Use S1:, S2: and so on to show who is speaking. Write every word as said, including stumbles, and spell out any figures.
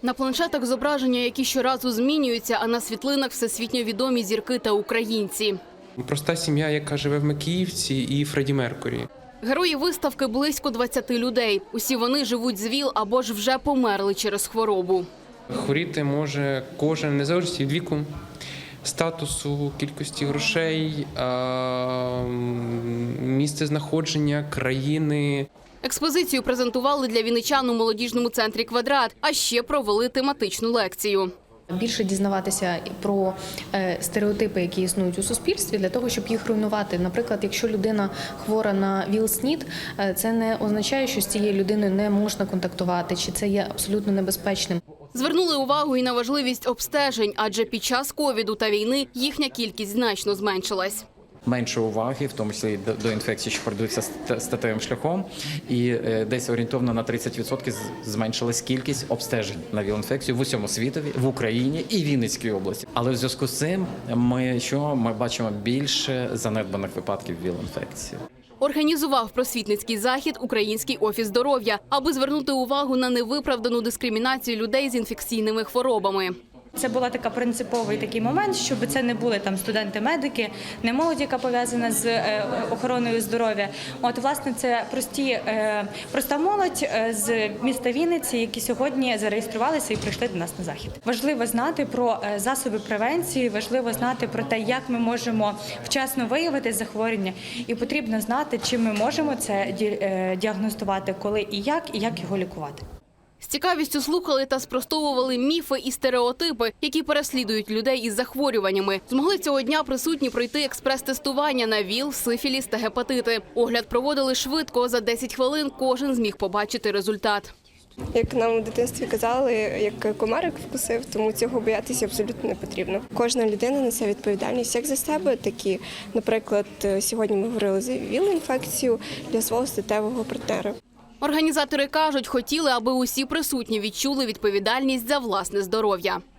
S1: На планшетах зображення, які щоразу змінюються, а на світлинах всесвітньо відомі зірки та українці.
S2: Проста сім'я, яка живе в Макіївці, і Фредді Меркурі.
S1: Герої виставки – близько двадцяти людей. Усі вони живуть з ВІЛ або ж вже померли через хворобу.
S2: Хворіти може кожен, незалежно від віку, статусу, кількості грошей, місце знаходження, країни.
S1: Експозицію презентували для вінничан у молодіжному центрі «Квадрат», а ще провели тематичну лекцію.
S3: Більше дізнаватися про стереотипи, які існують у суспільстві, для того, щоб їх руйнувати. Наприклад, якщо людина хвора на ВІЛ-СНІД, це не означає, що з цією людиною не можна контактувати, чи це є абсолютно небезпечним.
S1: Звернули увагу і на важливість обстежень, адже під час ковіду та війни їхня кількість значно зменшилась.
S4: Менше уваги, в тому числі до інфекцій, що передаються статевим шляхом, і десь орієнтовно на тридцять відсотків зменшилась кількість обстежень на ВІЛ-інфекцію в усьому світові, в Україні і Вінницькій області. Але в зв'язку з цим ми, що, ми бачимо більше занедбаних випадків ВІЛ-інфекції.
S1: Організував просвітницький захід Український офіс здоров'я, аби звернути увагу на невиправдану дискримінацію людей з інфекційними хворобами.
S5: Це була така принциповий такий момент, щоб це не були там студенти-медики, не молодь, яка пов'язана з охороною здоров'я. От, власне, це прості, проста молодь з міста Вінниці, які сьогодні зареєструвалися і прийшли до нас на захід. Важливо знати про засоби превенції, важливо знати про те, як ми можемо вчасно виявити захворювання, і потрібно знати, чим ми можемо це діагностувати, коли і як, і як його лікувати.
S1: З цікавістю слухали та спростовували міфи і стереотипи, які переслідують людей із захворюваннями. Змогли цього дня присутні пройти експрес-тестування на ВІЛ, сифіліс та гепатити. Огляд проводили швидко, за десять хвилин кожен зміг побачити результат.
S6: Як нам у дитинстві казали, як комарик вкусив, тому цього боятися абсолютно не потрібно. Кожна людина несе відповідальність як за себе, так і, наприклад, сьогодні ми говорили за ВІЛ-інфекцію для свого статевого партнера.
S1: Організатори кажуть, хотіли, аби усі присутні відчули відповідальність за власне здоров'я.